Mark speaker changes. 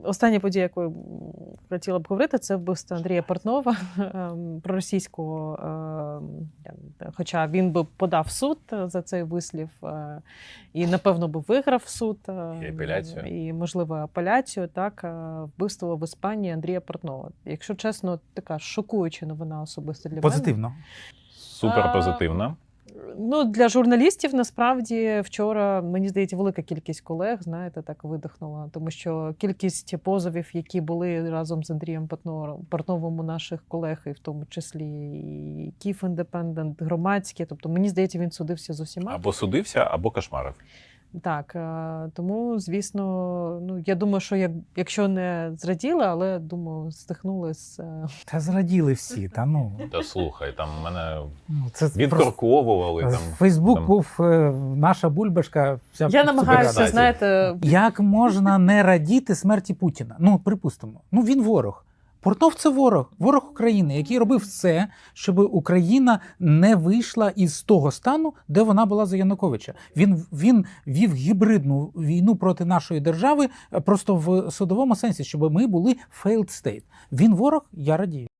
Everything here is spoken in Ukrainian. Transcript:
Speaker 1: Остання подія, яку я хотіла б говорити, це вбивство Андрія Портнова, проросійського, хоча він би подав в суд за цей вислів і, напевно, би виграв суд.
Speaker 2: І апеляцію.
Speaker 1: І, можливо, апеляцію, так, вбивство в Іспанії Андрія Портнова. Якщо чесно, така шокуюча новина особисто для мене.
Speaker 3: Позитивно.
Speaker 2: Супер позитивно.
Speaker 1: Ну, для журналістів, насправді, вчора, мені здається, велика кількість колег, знаєте, так видихнула. Тому що кількість позовів, які були разом з Андрієм Портновим у наших колег, і в тому числі і Київ Індепендент, громадські, тобто, мені здається, він судився з усіма.
Speaker 2: Або судився, або кошмарив.
Speaker 1: Так, тому, звісно, ну, я думаю, що якщо не зраділи, але, думаю, стихнули з...
Speaker 3: Та зраділи всі, та ну.
Speaker 2: Та слухай, там мене
Speaker 3: Це
Speaker 2: відкорковували. Там,
Speaker 3: Фейсбук
Speaker 2: там...
Speaker 3: був наша бульбашка. Вся
Speaker 1: Я намагаюся,
Speaker 2: Суперкаті.
Speaker 1: знаєте...
Speaker 3: Як можна не радіти смерті Путіна? Ну, припустимо. Ну, він ворог. Портнов – це ворог. Ворог України, який робив все, щоб Україна не вийшла із того стану, де вона була за Януковича. Він вів гібридну війну проти нашої держави просто в судовому сенсі, щоб ми були failed state. Він ворог, я радію.